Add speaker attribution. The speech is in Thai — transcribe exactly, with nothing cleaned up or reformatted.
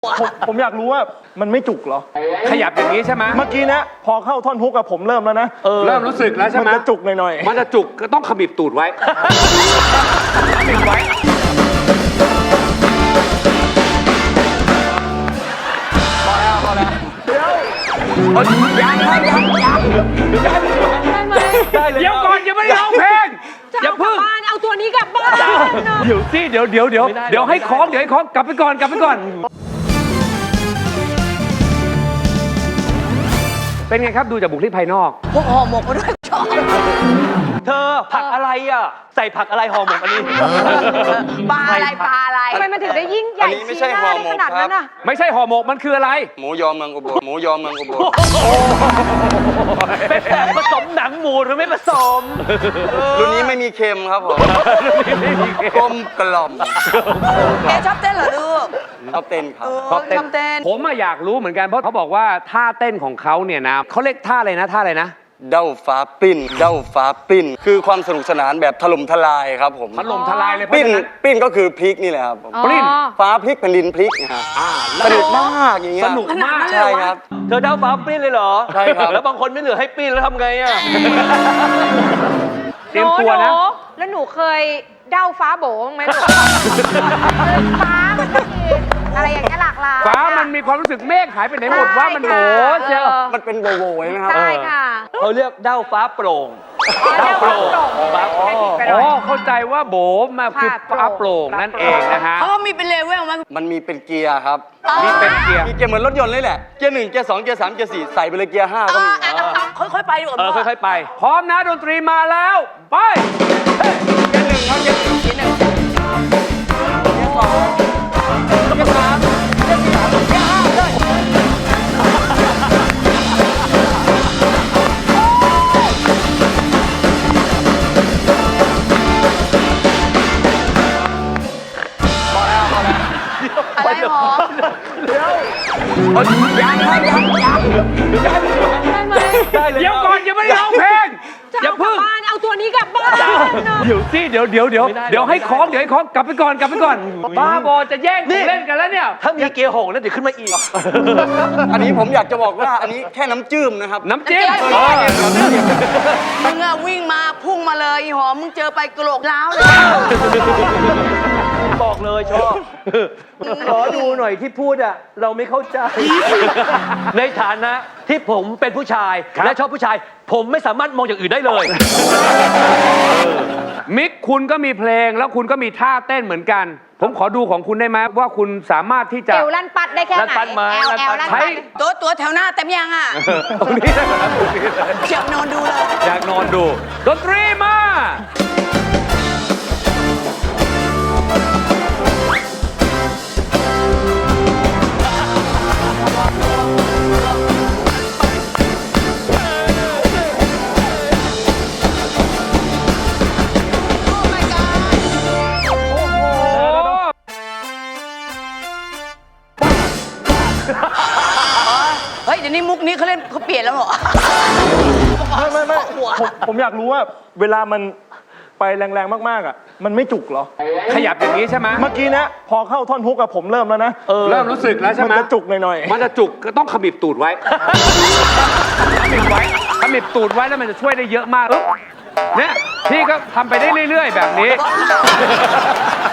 Speaker 1: ผมผมอยากรู้ว่ามันไม่จุกเหรอ
Speaker 2: ขยับอย่างนี้ใช่ไหม
Speaker 1: เมื่อกี้นะพอเข้าท่อนฮุกกับผมเริ่มแล้วนะ
Speaker 2: เริ่มรู้สึกแล้วใช่ไหม
Speaker 1: มันจะจุกหน่อย
Speaker 2: ๆมันจะจุกก็ต้องขมิบตูดไว้ขมิบไว้พอแล้วพอแล้วเดี๋ยวยังยังยังยังได้ไหมเดี๋ยวก่อนยังไม่ได้ร้องเพลงอย่าเพิ่ง
Speaker 3: เอาตัวนี้กลับบ้าน
Speaker 2: เดี๋ยวสิเดี๋ยวเดี๋ยวเดี๋ยวเดี๋ยวให้คล้องเดี๋ยวให้คล้องกลับไปก่อนกลับไปก่อนเป็นไงครับดูจากบุคลิกภายนอก
Speaker 3: พวกห่อหมกมาด้วยชอบ
Speaker 4: เธอผักอะไรอ่ะใส่ผักอะไรห่อหมกอันนี้
Speaker 3: ปลาอะไรปลาอะไรทำไมมันถึงได้ยิ่งใหญ่ชี้หน้าได้ขนาดนั้นอ่ะ
Speaker 2: ไม่ใช่ห่อหมกมันคืออะไร
Speaker 5: หมูยอเมืองอุบลหมูยอเมืองอุบล
Speaker 4: เป็นแบบผสมหนังหมูหรือไม่ผสม
Speaker 5: รุ่นนี้ไม่มีเค็มครับผมกลมกล่อม
Speaker 3: แกชอบเต้นเหรอลูก
Speaker 5: ชอบเต้นครับ
Speaker 3: ชอบเต้น
Speaker 2: ผมอยากรู้เหมือนกันเพราะเขาบอกว่าท่าเต้นของเขาเนี่ยนะเขาเรียกท่าอะไรนะท่าอะไรนะ
Speaker 5: เด้าฟ้าปิ้นเด้าฟ้าปิ้นคือความสนุกสนานแบบถล่มทลายครับผม
Speaker 2: ถล่มทลายเลย
Speaker 5: ปิ้นปิ้นก็คือพลิกนี่แหละครับ
Speaker 2: ปิ้น
Speaker 5: ฟ้าพลิกแผ่นดินพลิกนะฮะสนุกมากอย่างเงี้ย
Speaker 2: สนุกมาก
Speaker 5: ใช่ครับ
Speaker 4: เธอเด้าฟ้าปิ้นเลยเหรอ
Speaker 5: ใช่ครับ
Speaker 4: แล้วบางคนไม่เหลือให้ปิ้นแล้วทำไงอ่ะ
Speaker 2: เตรียมตัวนะ
Speaker 3: แล้วหนูเคยเด้าฟ้าโบงไหมลูกฟ้ามันก็มีอะไรอย่างเงี้ยหลากหลาย
Speaker 2: ฟ้ามันมีความรู้สึกเมฆหายไปไหนหมดว่ามันโบเชียว
Speaker 5: มันเป็นโบโบใช่ไหมครับ
Speaker 3: ใช่ค่ะ
Speaker 4: เขาเรียกเด้าฟ้าโปร่ง
Speaker 3: เด้าโปร่ง
Speaker 2: อ๋อเข้าใจว่าโบมาคือฟ้าโปร่งนั่นเองนะฮะ
Speaker 3: เขามีเป็นเลเวลมั้ย
Speaker 5: มันมีเป็นเกียร์ครับ
Speaker 2: มีเป็นเกียร์
Speaker 5: มีเกียร์เหมือนรถยนต์เลยแหละเกียร์หนึ่งเกียร์สองเกียร์สามเกียร์สี่ใส่ไปเลยเกียร์ห้าก็มี
Speaker 3: ค่อยๆไปดีกว่า
Speaker 4: เออค่อยๆไป
Speaker 2: พร้อมนะดนตรีมาแล้วไปเกียร์หนึ่งครับเกียร์หนึ่งเกียร์หนึ่งเกียร์สองเกียร์สามเกียร์สี่เกียร์ห้าเลย
Speaker 3: อะไรหรอ
Speaker 2: เดี๋ยวยังยังยังยังได้เลยเดี๋ยวก่อนยังไม่ได้ร้องเพลงอย่าเพิ่ง
Speaker 3: เอาตัวนี้กลับบ้าน
Speaker 2: เดี๋ยวสิเดี๋ยวเดี๋ยวเดี๋ยวเดี๋ยวให้คล้องเดี๋ยวให้คล้องกลับไปก่อนกลับไปก่อนบ้าบอจะแย่งเล่นกันแล้วเนี่ย
Speaker 4: ถ้ามีเกียร์หงแล้วเดี๋ยวขึ้นมาอีก
Speaker 5: อันนี้ผมอยากจะบอกว่าอันนี้แค่น้ำจืมนะครับ
Speaker 2: น้ำจิ้ม
Speaker 3: มึงอะวิ่งมาพุ่งมาเลยอีหอมมึงเจอไปกระโหลกล้าวเลย
Speaker 4: บอกเลยชอบขอดูหน่อยที่พูดอ่ะเราไม่เข้าใจในฐานะที่ผมเป็นผู้ชายและชอบผู้ชายผมไม่สามารถมองอย่างอื่นได้เลย
Speaker 2: มิกคุณก็มีเพลงแล้วคุณก็มีท่าเต้นเหมือนกันผมขอดูของคุณได้ไหมว่าคุณสามารถที่จะ
Speaker 3: เอวลั่นปัดได้แค่ไหน
Speaker 4: ลั่นปัดมา
Speaker 3: ใช้ตัวตัวแถวหน้าเต็มยังอ่ะ
Speaker 2: ตรงนี้นะครับ
Speaker 3: อยากนอนดูเลย
Speaker 2: อยากนอนดูดนตรีมา
Speaker 3: เฮ้ยเดี๋ยวนี้มุกนี้เขาเล่นเขาเปลี่ยนแล้วเหรอ
Speaker 1: ไม่ไม่ไม่ผมผมอยากรู้ว่าเวลามันไปแรงๆมากๆอ่ะมันไม่จุกเหรอ
Speaker 2: ขยับอย่างนี้ใช่ไหม
Speaker 1: เมื่อกี้นะพอเข้าท่อนฮุกกับผมเริ่มแล้วนะ
Speaker 2: เริ่มรู้สึกแล้วใช่ไหม
Speaker 1: มันจะจุกหน่อย
Speaker 2: ๆมันจะจุกก็ต้องขมิบตูดไว้ขมิบไว้ขมิบตูดไว้แล้วมันจะช่วยได้เยอะมากเนี่ยพี่ก็ทำไปได้เรื่อยๆแบบนี้